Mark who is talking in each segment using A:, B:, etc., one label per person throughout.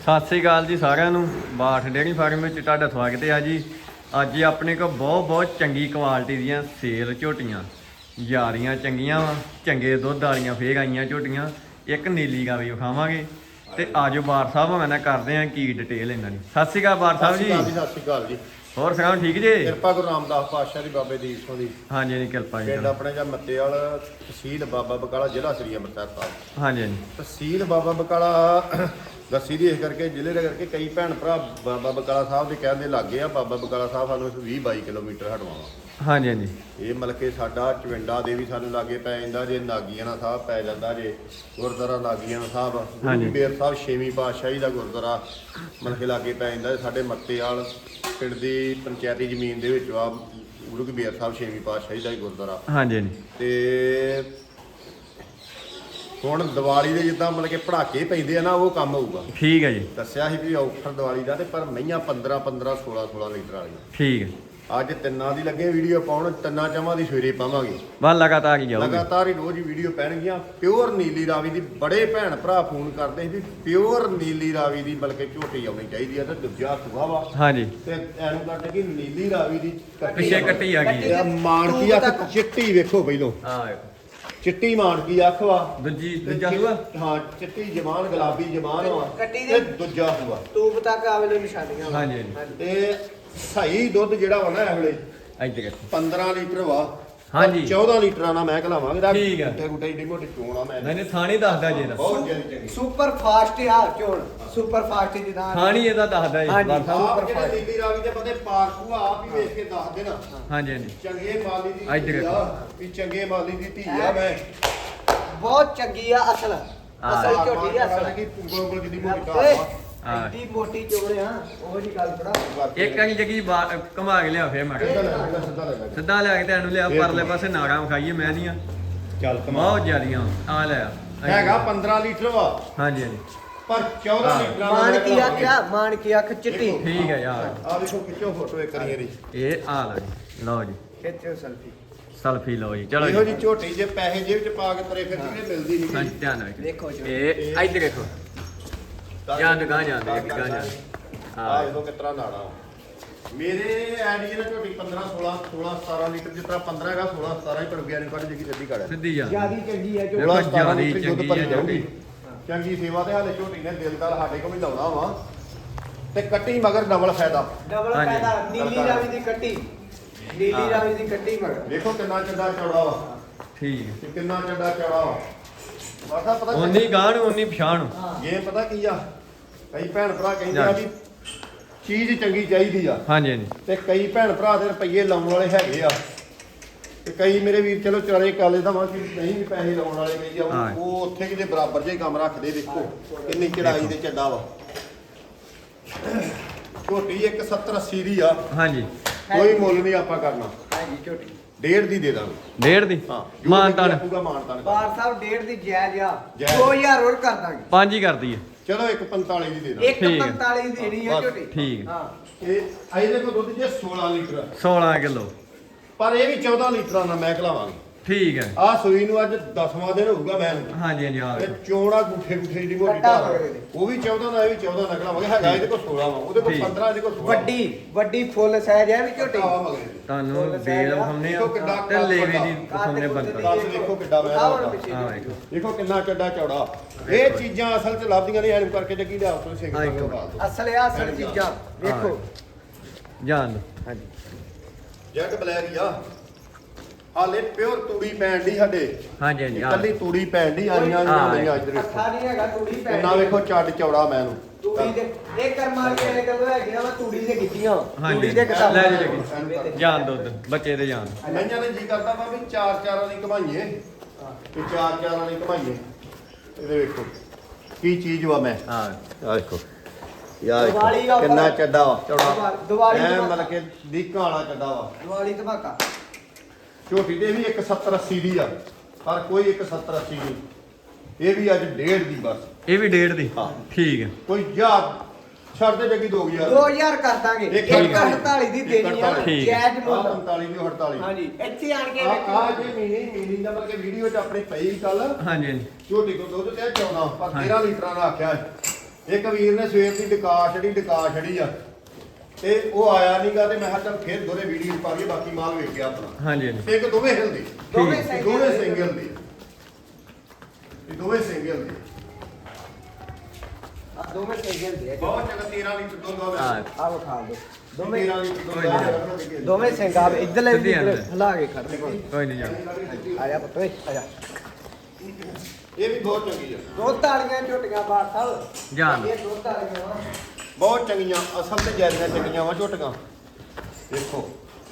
A: ਸਤਿ ਸ੍ਰੀ ਅਕਾਲ ਜੀ ਸਾਰਿਆਂ ਨੂੰ। ਬਾਠ ਡੇਅਰੀ ਫਾਰਮ ਵਿੱਚ ਤੁਹਾਡਾ ਸਵਾਗਤ ਹੈ ਜੀ। ਅੱਜ ਆਪਣੇ ਕੋਲ ਬਹੁਤ ਚੰਗੀ ਕੁਆਲਿਟੀ ਦੀਆਂ ਸੇਲ ਝੋਟੀਆਂ ਯਾਰੀਆਂ ਚੰਗੀਆਂ ਵਾ, ਚੰਗੇ ਦੁੱਧ ਵਾਲੀਆਂ ਫੇਰ ਆਈਆਂ ਝੋਟੀਆਂ। ਇੱਕ ਨੀਲੀ ਗਾਂ ਵੀ ਵਿਖਾਵਾਂਗੇ ਤੇ ਆਜੋ ਬਾਠ ਸਾਹਿਬ ਮੈਂ ਕਰਦੇ ਹਾਂ ਕੀ ਡਿਟੇਲ ਇਹਨਾਂ ਦੀ। ਸਤਿ ਸ੍ਰੀ ਅਕਾਲ ਬਾਠ ਸਾਹਿਬ ਜੀ।
B: ਸਤਿ ਸ਼੍ਰੀ ਅਕਾਲ ਜੀ।
A: ਹੋਰ ਸੁਣਾਓ ਠੀਕ ਜੀ?
B: ਕਿਰਪਾ ਗੁਰੂ ਰਾਮਦਾਸ ਪਾਤਸ਼ਾਹ ਦੀ ਬਾਬੇ ਦੀਪ ਸਿੰਘ ਦੀ।
A: ਹਾਂਜੀ ਹਾਂਜੀ ਕਿਰਪਾ ਜੀ।
B: ਪਿੰਡ ਆਪਣੇ ਜਾਂ ਮੱਤੇਵਾਲ, ਤਹਿਸੀਲ ਬਾਬਾ ਬਕਾਲਾ, ਜ਼ਿਲ੍ਹਾ ਸ੍ਰੀ ਅੰਮ੍ਰਿਤਸਰ ਸਾਹਿਬ।
A: ਹਾਂਜੀ ਹਾਂਜੀ
B: ਤਹਿਸੀਲ ਬਾਬਾ ਬਕਾਲਾ ਦੱਸੀ ਦੀ ਇਸ ਕਰਕੇ, ਜ਼ਿਲ੍ਹੇ ਦੇ ਕਰਕੇ ਕਈ ਭੈਣ ਭਰਾ ਬਾਬਾ ਬਕਾਲਾ ਸਾਹਿਬ ਦੇ ਕਹਿੰਦੇ ਲੱਗੇ ਆ। ਬਾਬਾ ਬਕਾਲਾ ਸਾਹਿਬ ਸਾਨੂੰ 20-22 ਕਿਲੋਮੀਟਰ ਹਟਵਾਵਾ।
A: ਹਾਂਜੀ ਹਾਂਜੀ
B: ਇਹ ਮਤਲਬ ਕਿ ਸਾਡਾ ਚਵਿੰਡਾ ਦੇ ਵੀ ਸਾਨੂੰ ਲਾਗੇ ਪੈ ਜਾਂਦਾ ਜੇ, ਨਾਗੀਆਣਾ ਸਾਹਿਬ ਪੈ ਜਾਂਦਾ ਜੇ, ਗੁਰਦੁਆਰਾ ਨਾਗੀਆਣਾ ਸਾਹਿਬ, ਗੁਰੂ ਬੇਰ ਸਾਹਿਬ 6ਵੀਂ ਪਾਤਸ਼ਾਹੀ ਦਾ ਗੁਰਦੁਆਰਾ ਮਤਲਬ ਕਿ ਲਾਗੇ ਪੈ ਜਾਂਦਾ। ਸਾਡੇ ਮੱਤੇਵਾਲ ਪਿੰਡ ਦੀ ਪੰਚਾਇਤੀ ਜ਼ਮੀਨ ਦੇ ਵਿੱਚ ਆ ਗੁਰੂ ਬੇਰ ਸਾਹਿਬ 6ਵੀਂ ਪਾਤਸ਼ਾਹੀ ਦਾ ਗੁਰਦੁਆਰਾ।
A: ਹਾਂਜੀ ਹਾਂਜੀ
B: ਤੇ ਹੁਣ ਦੀਵਾਲੀ ਦੇ ਜਿੱਦਾਂ ਮਤਲਬ ਕਿ ਪੜਾਕੇ ਪੈਂਦੇ ਆ ਨਾ, ਉਹ ਕੰਮ ਹੋਊਗਾ।
A: ਠੀਕ ਹੈ ਜੀ।
B: ਦੱਸਿਆ ਸੀ ਵੀ ਆਫਰ ਦੀਵਾਲੀ ਦਾ, ਤੇ ਪਰ ਮਈਆਂ 15-15 16-16 ਲੀਟਰ ਵਾਲੀਆਂ।
A: ਠੀਕ ਹੈ।
B: ਅੱਜ ਤਿੰਨਾਂ ਦੀ ਲੱਗੇ ਵੀਡੀਓ ਪਾਉਣ, ਤਿੰਨਾਂ ਚਾਵਾਂ ਦੀ ਸਵੇਰੇ ਪਾਵਾਂਗੇ।
A: ਬਸ ਲਗਾਤਾਰ ਹੀ ਜਾਊਗੀ।
B: ਲਗਾਤਾਰ ਹੀ ਰੋਜ਼ ਹੀ ਵੀਡੀਓ ਪੈਣਗੀਆਂ। ਪਿਓਰ ਨੀਲੀ ਰਾਵੀ ਦੀ ਬੜੇ ਭੈਣ ਭਰਾ ਫੋਨ ਕਰਦੇ ਸੀ ਵੀ ਪਿਓਰ ਨੀਲੀ ਰਾਵੀ ਦੀ ਬਲਕਿ ਝੋਟੀ ਆਉਣੀ ਚਾਹੀਦੀ ਆ। ਤੇ ਦੂਜਾ ਸੂਆ ਵਾ। ਹਾਂਜੀ। ਤੇ ਐਨੂੰ ਕਰਦੇ ਕਿ ਨੀਲੀ ਰਾਵੀ ਦੀ
A: ਪਿੱਛੇ ਕੱਟੀ ਆ ਗਈ
B: ਹੈ। ਮਾਨਕੀ ਅੱਖ ਚਿੱਟੀ ਵੇਖੋ ਪਹਿਲੋਂ।
A: ਹਾਂ
B: ਚਿੱਟੀ ਮਾਨਕੀ ਅੱਖ ਵਾ।
A: ਦੂਜਾ ਸੂਆ।
B: ਹਾਂ ਚਿੱਟੀ ਜ਼ਬਾਨ, ਗੁਲਾਬੀ ਜ਼ਬਾਨ ਵਾ।
C: ਕੱਟੀ
B: ਤੇ
C: ਦੇ
B: ਦੂਜਾ ਸੂਆ
C: ਤੂਬ ਤੱਕ ਆਵੇਲੇ ਨਿਸ਼ਾਨੀਆਂ।
A: ਹਾਂਜੀ
B: ਤੇ ਸਹੀ ਦੁੱਧ ਜਿਹੜਾ ਵਾ ਨਾ ਇਹ ਵੇਲੇ
A: ਇੱਧਰ
B: 15 ਲੀਟਰ ਵਾ।
A: ਹਾਂਜੀ
B: 14 ਲੀਟਰਾਂ ਨਾਲ ਮੈਂ ਘਲਾਵਾਂਗੇ।
A: ਠੀਕ ਆ।
B: ਗੁੱਟੇ ਗੁੱਟੇ ਏਡੀ ਮੋਟੀ ਚੋਣ ਆ। ਮੈਂ
A: ਨਹੀਂ ਥਾਣੀ ਦੱਸਦਾ ਜੀ ਇਹਦਾ।
B: ਬਹੁਤ ਚੰਗੀ
C: ਸੁਪਰ ਫਾਸਟ ਆ ਝੋਲ, ਸੁਪਰ ਫਾਸਟ ਦੀ ਦਾ
A: ਥਾਣੀ ਇਹਦਾ ਦੱਸਦਾ ਜੀ।
C: ਹਾਂਜੀ।
A: ਬਾਠ ਸਾਹਿਬ।
B: ਆਪ ਜਿਹੜੇ ਨੀਲੀ ਰਾਵੀ ਦੇ ਬੰਦੇ ਪਾਰਕੂ ਆਪ ਹੀ ਵੇਖ ਕੇ ਦੱਸ ਦੇਣਾ।
A: ਹਾਂਜੀ ਹਾਂਜੀ
B: ਚੰਗੇ ਮਾਲੀ ਦੀ
A: ਇੱਧਰ
B: ਧੀ ਆ ਵੀ ਚੰਗੇ ਮਾਲੀ ਦੀ ਧੀ ਆ। ਮੈਂ
C: ਬਹੁਤ ਚੰਗੀ ਆ ਅਸਲ ਝੋਟੀ ਆ ਅਸਲ।
B: ਕੀ ਉਂਗਲ ਜਿੱਦੀ ਮੋਟੀ ਕਾਹ
A: ਹਾਂ।
C: ਐਡੀ ਮੋਟੀ ਚੋਲ ਆ, ਉਹ ਜੀ ਗੱਲ ਥੋੜਾ।
A: ਇੱਕ ਵਾਰੀ ਜਗੀ ਘਮਾ ਕੇ ਲਿਆ ਫੇਰ ਮੈਂ ਕਿਹਾ।
B: ਸਿੱਧਾ ਲੈ
A: ਸਿੱਧਾ ਲਿਆ ਕੇ ਤੇ ਇਹਨੂੰ ਲਿਆ ਪਰਲੇ ਪਾਸੇ ਨਾੜਾਂ ਵਿਖਾਈਏ ਮੈਂ ਦੀਆਂ
B: ਚੱਲ
A: ਬਹੁਤ ਜ਼ਿਆਦੀਆਂ ਆ ਲਿਆ
B: ਹੈਗਾ 15 ਲੀਟਰ ਵਾ,
A: ਹਾਂਜੀ ਹਾਂਜੀ
B: ਪਰ 14 ਲੀਟਰਾਂ
C: ਮਾਨ ਕੀ ਆਖਿਆ, ਮਾਨ ਕੀ ਅੱਖ ਚਿੱਟੀ।
A: ਠੀਕ ਹੈ ਯਾਰ।
B: ਆ ਦੇਖੋ ਖਿੱਚੋ ਫੋਟੋ ਇੱਕ ਵਾਰੀ ਇਹਦੀ।
A: ਇਹ ਆ ਲਓ ਜੀ। ਲਓ ਜੀ
C: ਖਿੱਚੋ ਸੈਲਫੀ।
A: ਸੈਲਫੀ ਲਓ ਜੀ। ਚਲੋ
B: ਇਹੋ
A: ਜੀ।
B: ਜੀ ਝੋਟੀ ਜੇ ਪੈਸੇ ਜੇਬ ਚ ਪਾ ਕੇ ਤੁਰੇ ਫਿਰਦੀ ਨੇ ਮਿਲਦੀ ਨਹੀਂ।
A: ਹਾਂਜੀ ਧਿਆਨ ਨਾਲ
C: ਦੇਖੋ ਜੀ।
A: ਇਹ ਇੱਧਰ ਦੇਖੋ। ਜਾਂਦੇ ਗਾਂ ਜਾਂਦੇ ਗਾਂ ਜਾਂਦੇ।
B: ਆ ਦੇਖੋ ਕਿਤਰਾ ਨਾੜਾ ਵਾ। ਮੇਰੇ ਐਡੀ ਨਾ ਝੋਟੀ 15 16 16 17 ਲੀਟਰ ਜਿਸ ਤਰ੍ਹਾਂ 15 ਹੈਗਾ 16 17 ਹੀ ਪਰ ਗਿਆ ਨਹੀਂ ਕੱਢ ਜੇਗੀ ਸਿੱਧੀ ਕੱਢ
A: ਸਿੱਧੀ ਜਾ
C: ਜਿਆਦੀ ਚੰਗੀ ਆ ਝੋਟੀ।
B: 16 17
A: ਜਿਆਦੀ
B: ਲੀਟਰ ਦੁੱਧ
A: ਚੰਗੀ
B: ਭਰੀ
A: ਆ
B: ਜਾਊਗੀ। ਚੰਗੀ ਸੇਵਾ ਤੇ ਹਾਲੇ ਝੋਟੀ ਨੇ ਦਿਲਦਾਰ ਸਾਡੇ ਕੋਲ ਵੀ ਲਾਉਣਾ ਵਾ। ਤੇ ਕੱਟੀ ਮਗਰ ਡਬਲ ਫਾਇਦਾ।
C: ਡਬਲ
A: ਹਾਂਜੀ।
C: ਫਾਇਦਾ। ਨੀਲੀ ਰਾਵੀ ਦੀ ਕੱਟੀ, ਨੀਲੀ ਰਾਵੀ ਦੀ ਕੱਟੀ ਮਗਰ।
B: ਦੇਖੋ ਕਿੰਨਾ ਚੱਡਾ ਚੌੜਾ ਵਾ।
A: ਠੀਕ ਹੈ।
B: ਤੇ ਕਿੰਨਾ ਚੱਡਾ ਚੌੜਾ ਵਾ। ਮਾਤਾ ਪਤਾ
A: ਉਨੀ ਗਾਂ ਨੂੰ ਉਨੀ ਪਛਾਣ।
B: ਇਹ ਪਤਾ ਕੀ ਆ, ਕਈ ਭੈਣ ਭਰਾ ਕਹਿੰਦੇ ਆ ਵੀ ਚੀਜ਼ ਚੰਗੀ ਚਾਹੀਦੀ ਆ।
A: ਹਾਂਜੀ ਹਾਂਜੀ
B: ਤੇ ਕਈ ਭੈਣ ਭਰਾ ਦੇ ਰੁਪਈਏ ਲਾਉਣ ਵਾਲੇ ਹੈਗੇ ਆ। ਤੇ ਕਈ ਮੇਰੇ ਵੀਰ ਚਲੋ ਚਾਰੇ ਕਾਲੇ ਦਾ ਵਾ ਕਿ ਨਹੀਂ ਵੀ ਪੈਸੇ ਲਾਉਣ ਵਾਲੇ ਕਈ ਆ,
A: ਹਾਂ।
B: ਉਹ ਉੱਥੇ ਕਿਤੇ ਬਰਾਬਰ ਜੇ ਕੰਮ ਰੱਖਦੇ। ਦੇਖੋ ਕਿੰਨੀ ਚੜਾਈ ਦੇ ਚੱਡਾ ਵਾ। ਝੋਟੀ 170-80 ਦੀ ਆ।
A: ਹਾਂਜੀ
B: ਕੋਈ ਮੁੱਲ ਨਹੀਂ ਆਪਾਂ ਕਰਨਾ।
C: ਹਾਂਜੀ ਝੋਟੀ
B: 1.5 ਦੀ ਦੇ ਦਾਂਗੇ।
A: ਡੇਢ ਦੀ
B: ਹਾਂ
A: ਮਾਨਤਾਨ
B: ਪੂਰਾ ਮਾਨਤਾਨ।
C: ਬਾਰ ਸਾਹਿਬ 1.5 ਦੀ ਜਾਇਜ਼ ਆ।
B: ਜਾਇਜ਼।
C: 2000 ਹੋਰ ਕਰ ਦਾਂਗੇ।
A: 5 ਹੀ ਕਰਦੀ ਹੈ।
B: ਚਲੋ 1.45 ਦੀ ਦੇ ਦਾਂਗੇ।
C: 1.45 ਦੇਣੀ ਆ
B: ਬਸ,
C: ਝੋਟੀ।
A: ਠੀਕ ਹੈ।
C: ਹਾਂ
B: ਇਹ ਇਹਦੇ ਕੋਲ ਦੁੱਧ ਜੇ 16 ਲੀਟਰ,
A: 16 ਕਿਲੋ।
B: ਪਰ ਇਹ ਵੀ 14 ਲੀਟਰਾਂ ਨਾਲ ਮੈਂ ਖਲਾਵਾਂਗੇ।
A: ਠੀਕ ਹੈ।
B: ਆਹ ਸੂਈ ਨੂੰ ਅੱਜ 10ਵਾਂ ਦਿਨ ਹੋਊਗਾ ਮੈਂ ਨੂੰ।
A: ਹਾਂਜੀ ਹਾਂਜੀ ਆ
B: ਤੇ ਚੋਣਾ ਗੁੱਠੇ ਗੁੱਠੇ ਦੀ ਮੋਟੀ
C: ਕੱਟਾ
B: ਧਾਰ।
C: ਮਗਰੇ ਦੇ।
B: ਉਹ ਵੀ 14 ਦਾ, ਇਹ ਵੀ 14 ਦਾ ਖਲਾਵਾਂਗੇ। ਹੈਗਾ ਇਹਦੇ ਕੋਲ 16 ਵਾ, ਉਹਦੇ ਕੋਲ
A: ਠੀਕ।
B: 15, ਇਹਦੇ ਕੋਲ 16
C: ਵੱਡੀ ਵੱਡੀ ਫੁੱਲ ਸਾਈਜ਼ ਹੈ ਵੀ ਝੋਟੀ।
B: ਆਵਾ ਮਗਰੇ ਦੇ।
A: ਤੁਹਾਨੂੰ ਬੇਲ ਵਿਖਾਉਂਦੇ
B: ਦੇਖੋ ਕਿੱਡਾ
A: ਆ ਤੇ ਲੇਵੇ ਦੀ ਵਿਖਾਉਂਦੇ ਬੰਦਾ।
B: ਦੱਸ ਦੇਖੋ ਕਿੱਡਾ ਮੈਂ
C: ਆਹ ਹੁਣ
B: ਦਾ।
C: ਪਿੱਛੇ
A: ਹਾਂ ਵੇਖੋ।
B: ਦੇਖੋ ਕਿੰਨਾ ਚੱਡਾ ਚੌੜਾ। ਇਹ ਚੀਜ਼ਾਂ ਅਸਲ 'ਚ ਲੱਭਦੀਆਂ ਨਹੀਂ। ਐਨ ਕਰਕੇ ਜੱਗੀ ਲਿਆ ਤੋਂ ਸਿੰਘ
A: ਹਾਂ,
B: ਤੋਂ ਬਾਅਦ ਦੋ।
C: ਅਸਲ ਆ ਅਸਲ ਚੀਜ਼ਾਂ ਵੇਖੋ।
A: ਜਾਣ ਦੋ।
C: ਹਾਂਜੀ
B: ਜੈਟ ਬਲੈਕ ਆ। ਹਾਲੇ ਪਿਓਰ ਤੂੜੀ ਪੈਣ ਦੀ ਸਾਡੇ।
A: ਹਾਂਜੀ ਹਾਂਜੀ ਆ
B: ਇਕੱਲੀ ਤੂੜੀ ਪੈਣ ਦੀ ਆਈਆਂ ਨਹੀਂ ਅੱਜ ਦੇ
C: ਅੱਖਾਂ ਨਹੀਂ ਹੈਗਾ ਤੂੜੀ ਪੈ
B: ਕਿੰਨਾ ਵੇਖੋ ਚੱਡ ਚੌੜਾ ਮੈਂ ਨੂੰ।
C: ਤੂੜੀ ਦੇ ਇਹ ਕਰਮਾਂ ਵਾਲੇ ਗੱਲ ਹੈਗੀਆਂ ਵਾ ਤੂੜੀ ਦੇ ਕੀਤੀਆਂ।
A: ਹਾਂਜੀ
C: ਤੂੜੀ ਦੇ ਕਿਤਾਬ
A: ਲੈ ਜੀ ਲੱਗੀ। ਜਾਣ ਦੋ ਉੱਧਰ, ਬੱਚੇ ਦੇ ਜਾਣ।
B: ਮਈਆਂ ਨੇ ਜੀ ਕਰਦਾ ਵਾ ਵੀ ਚਾਰ ਚਾਰਾਂ ਦੀ ਘਮਾਈਏ। ਤੇ ਚਾਰ ਚਾਰਾਂ ਦੀ ਘਮਾਈਏ। ਇਹਦੇ ਵੇਖੋ ਕੀ ਚੀਜ਼ ਵਾ ਮੈਂ।
A: ਹਾਂ
B: ਆ ਦੇਖੋ ਯਾਰ
C: ਦੀਵਾਲੀ ਦਾ
B: ਕਿੰਨਾ
C: ਉੱਪਰ।
B: ਚੱਡਾ ਵਾ ਚੌੜਾ।
C: ਦੀਵਾਲੀ
B: ਐ
C: ਧਮਾਕਾ।
B: ਮਤਲਬ ਕਿ ਦੀਕਾਂ ਵਾਲਾ ਚੱਡਾ ਵਾ।
C: ਦੀਵਾਲੀ ਧਮਾਕਾ।
B: ਝੋਟੀ ਦੇ ਵੀ 170-80 ਦੀ ਆ, ਪਰ ਕੋਈ 170-80 ਨਹੀਂ। ਇਹ ਵੀ ਅੱਜ 1.5 ਦੀ ਬਸ।
A: ਇਹ ਵੀ ਡੇਢ ਦੀ।
B: ਹਾਂ।
A: ਠੀਕ ਹੈ।
B: ਕੋਈ ਜਾ ਛੱਡ ਦੇ ਜੱਗੀ 2000
C: 2000 ਕਰ ਦਾਂਗੇ।
B: ਇੱਕ
C: 148 ਦੀ ਦੇਣੀ ਆ।
A: ਠੀਕ।
C: ਜਾਇਜ਼ ਮੁੱਲ।
B: 45 ਦੀ 48।
C: ਹਾਂਜੀ ਇੱਥੇ ਆਣ ਕੇ
B: ਆ ਜੇ ਮੀਨੀ ਦਾ ਮਤਲਬ ਕਿ ਵੀਡੀਓ 'ਚ ਆਪਣੇ ਪਈ ਕੱਲ
A: ਹਾਂਜੀ ਹਾਂਜੀ
B: ਝੋਟੀ ਕੋ ਦੁੱਧ ਤੇ 14 ਪਰ 13 ਲੀਟਰਾਂ ਦਾ ਆਖਿਆ ਹੈ। ਇੱਕ ਵੀਰ ਨੇ ਸਵੇਰ ਦੀ ਡਕਾ ਛੜੀ ਆ ਤੇ ਉਹ ਆਇਆ ਨਹੀਂਗਾ ਤੇ ਮੈਂ ਕਿਹਾ ਚੱਲ ਫਿਰ ਦੋਰੇ ਵੀਡੀਓ ਪਾ ਲਈਏ ਬਾਕੀ ਮਾਲ ਵੇਖ ਗਿਆ ਆਪਣਾ।
A: ਹਾਂਜੀ ਹਾਂਜੀ
B: ਇੱਕ ਦੋਵੇਂ ਹਿਲਦੇ
C: ਦੋਵੇਂ
B: ਦੋਵੇਂ ਸਿੰਗਲ ਦੇ ਇਹ ਦੋਵੇਂ ਸਿੰਗਲ ਦੇ
C: ਦੋਵੇਂ ਸਿੰਗਲ ਦੇ
B: ਬਹੁਤ ਚੰਗਾ 13 ਲੀਟਰ ਦੁੱਧ ਆਵੇ
A: ਹਾਂ
C: ਆ ਵਿਖਾ ਦੋ ਦੋਵੇਂ
B: 13 ਲੀਟਰ ਦੁੱਧ
C: ਦੋਵੇਂ ਸਿੰਗਾ ਇੱਧਰਲੇ ਵੀ
A: ਸਿੱਧੀ ਅੰਦਰ।
C: ਹਿਲਾ ਕੇ ਖੜਦੇ ਕੋਲ
A: ਕੋਈ ਨਹੀਂ ਜਾਣਾ
C: ਆ ਜਾ ਪੁੱਤ ਓਏ ਆ ਜਾ
B: ਇਹ ਵੀ ਬਹੁਤ ਚੰਗੀ ਆ
C: ਦੁੱਧ ਵਾਲੀਆਂ ਝੋਟੀਆਂ ਬਾੜ ਸਾਹਿਬ
A: ਜਾਣ।
C: ਇਹ ਦੁੱਧ ਵਾਲੀਆਂ ਵਾ
B: ਬਹੁਤ ਚੰਗੀਆਂ ਅਸਲ ਤੇ ਜੈਦੀਆਂ ਚੰਗੀਆਂ ਵਾ ਝੋਟੀਆਂ ਦੇਖੋ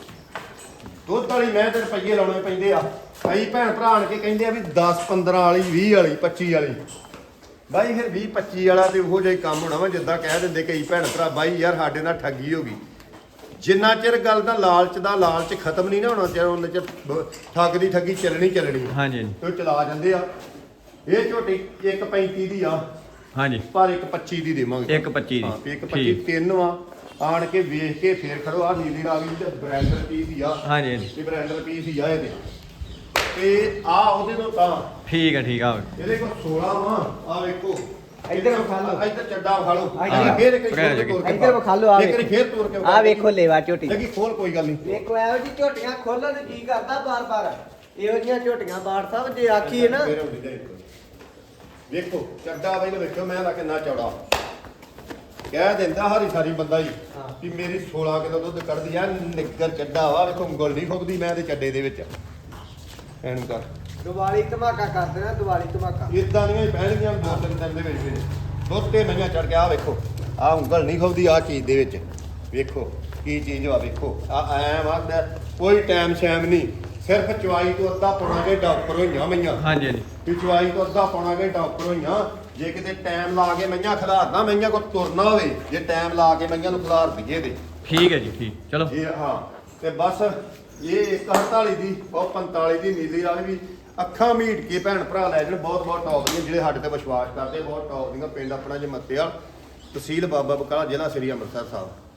B: ਦੁੱਧ ਵਾਲੀ ਮੈਂ ਤੇ ਰੁਪਈਏ ਲਾਉਣੇ ਪੈਂਦੇ ਆ ਕਈ ਭੈਣ ਭਰਾ ਆਣ ਕੇ ਕਹਿੰਦੇ ਆ ਵੀ 10 15 ਵਾਲੀ 20 ਵਾਲੀ 25 ਵਾਲੀ ਬਾਈ ਫਿਰ 20 25 ਵਾਲਾ ਤੇ ਉਹੋ ਜਿਹਾ ਹੀ ਕੰਮ ਹੋਣਾ ਵਾ ਜਿੱਦਾਂ ਕਹਿ ਦਿੰਦੇ ਕਈ ਭੈਣ ਭਰਾ ਬਾਈ ਯਾਰ ਸਾਡੇ ਨਾਲ ਠੱਗੀ ਹੋ ਗਈ ਜਿੰਨਾ ਚਿਰ ਗੱਲ ਦਾ ਲਾਲਚ ਖਤਮ ਨਹੀਂ ਨਾ ਹੋਣਾ ਚਿਰ ਉਹਨਾਂ ਚਿਰ ਠੱਗ ਦੀ ਠੱਗੀ ਚੱਲਣੀ
A: ਹਾਂਜੀ ਹਾਂਜੀ
B: ਤੇ ਉਹ ਚਲਾ ਜਾਂਦੇ ਆ ਇਹ ਝੋਟੀ 1.35 ਦੀ ਆ
A: ਹਾਂਜੀ
B: ਪਰ 1.25 ਦੀ ਦੇਵਾਂਗੇ
A: 1.25 ਦੀ
B: ਹਾਂ 1.25 ਤਿੰਨ ਵਾ ਆਣ ਕੇ ਵੇਖ ਕੇ ਫੇਰ ਖੜੋ ਆ ਨੀਲੀ ਰਾਵੀ ਤੇ ਬ੍ਰੈਂਡਰ ਪੀਸ ਹੀ ਆ
A: ਹਾਂਜੀ ਹਾਂਜੀ
B: ਇਹ ਬ੍ਰੈਂਡਰ ਪੀਸ ਹੀ ਆ ਇਹਦੇ ਤੇ ਆ ਉਹਦੇ ਤੋਂ ਤਾਂ
A: ਠੀਕ ਆ
B: ਇਹਦੇ ਕੋਲ 16 ਵਾ ਆ ਵੇਖੋ
C: ਇੱਧਰ ਵਿਖਾ ਲਓ।
B: ਇੱਧਰ ਚੱਡਾ ਵਿਖਾ ਲਓ
C: ਇੱਧਰ
B: ਫੇਰ ਇੱਕ
A: ਪਕੜਿਆ
B: ਵਾਰੀ ਤੋੜ ਕੇ
C: ਇੱਧਰ ਵਿਖਾ ਲਓ ਆ
B: ਇੱਕ ਵਾਰੀ ਫੇਰ ਤੋੜ ਕੇ
C: ਆ ਵੇਖੋ ਲੇਵਾ ਝੋਟੀ
B: ਲੱਗੀ ਖੋਲ ਕੋਈ ਗੱਲ ਨਹੀਂ
C: ਵੇਖੋ ਇਹੋ ਜੀ ਝੋਟੀਆਂ ਖੋਲਣ ਨੂੰ ਕੀ ਕਰਦਾ ਬਾਰ-ਬਾਰ ਇਹੋ ਜੀਆਂ ਝੋਟੀਆਂ ਬਾੜ ਸਾਹਿਬ ਜੇ ਆਖੀਏ ਨਾ
B: ਫੇਰ ਹੁੰਦੀ ਜਾਏ ਇੱਕ ਵਾਰੀ। ਵੇਖੋ ਚੱਡਾ ਬਾਈ ਨੂੰ ਵੇਖੋ ਮੈਂ ਲਾ ਕਿੰਨਾ ਚੌੜਾ ਕਹਿ ਦਿੰਦਾ ਹਰੀ ਸਾਰੀ ਬੰਦਾ ਹੀ
C: ਹਾਂ।
B: ਕਿ ਮੇਰੀ 16 ਕਿਲੋ ਦੁੱਧ ਕੱਢਦੀ ਆ ਨਿੱਗਰ ਚੱਡਾ ਵਾ ਵੇਖੋ ਉਂਗਲ ਨਹੀਂ ਫੁੱਕਦੀ ਮੈਂ ਤੇ ਚੱਡੇ ਦੇ ਵਿੱਚ ਐਨੂੰ ਕਰ
C: ਦੀਵਾਲੀ ਧਮਾਕਾ ਕਰ ਦੇਣਾ ਦੀਵਾਲੀ ਧਮਾਕਾ
B: ਇਦਾਂ ਦੀਆਂ ਹੀ ਪਹਿਲੀਆਂ ਦੋ ਤਿੰਨ ਦਿਨ ਦੇ ਵਿੱਚ ਦੁੱਧ ਤੇ ਮਈਆਂ ਚੜ ਗਿਆ ਆ ਵੇਖੋ ਆ ਉਂਗਲ ਨਹੀਂ ਖੁੱਬਦੀ ਆ ਚੀਜ਼ ਦੇ ਵਿੱਚ ਵੇਖੋ ਕੀ ਚੀਜ਼ ਵਾ ਵੇਖੋ ਆ ਐ ਵਾਦਾ ਕੋਈ ਟਾਈਮ ਸ਼ੈਮ ਨਹੀਂ ਸਿਰਫ ਚਵਾਈ ਤੋਂ ਅੱਧਾ ਪੌਣਾ ਘੰਟਾ ਉੱਪਰ ਹੋਈਆਂ ਮਈਆਂ
A: ਹਾਂਜੀ ਹਾਂਜੀ
B: ਵੀ ਚਵਾਈ ਤੋਂ ਅੱਧਾ ਪੌਣਾ ਘੰਟਾ ਉੱਪਰ ਹੋਈਆਂ ਜੇ ਕਿਤੇ ਟਾਈਮ ਲਾ ਕੇ ਮਈਆਂ ਖਿਲਾਰਦਾ ਮਈਆਂ ਕੋ ਤੁਰਨਾ ਹੋਵੇ ਜੇ ਟਾਈਮ ਲਾ ਕੇ ਮਈਆਂ ਨੂੰ ਖਿਲਾਰ ਦਈਏ ਤੇ
A: ਠੀਕ ਹੈ ਜੀ ਠੀਕ ਚਲੋ
B: ਇਹ ਹਾਂ ਤੇ ਬਸ ਇਹ 148 ਦੀ ਉਹ 45 ਦੀ ਨੀਲੀ ਵਾਲੀ ਵੀ ਅੱਖਾਂ ਮੀਟ ਕੇ ਭੈਣ ਭਰਾ ਲੈ ਜਾਣ ਬਹੁਤ ਬਹੁਤ ਟੌਪ ਦੀਆਂ ਜਿਹੜੇ ਸਾਡੇ ਤੇ ਵਿਸ਼ਵਾਸ ਕਰਦੇ ਬਹੁਤ ਟੌਪ ਦੀਆਂ ਪਿੰਡ ਆਪਣਾ ਜੇ ਮੱਤੇਵਾਲ ਤਹਿਸੀਲ ਬਾਬਾ ਬਕਾਲਾ ਜ਼ਿਲ੍ਹਾ ਸ੍ਰੀ ਅੰਮ੍ਰਿਤਸਰ ਸਾਹਿਬ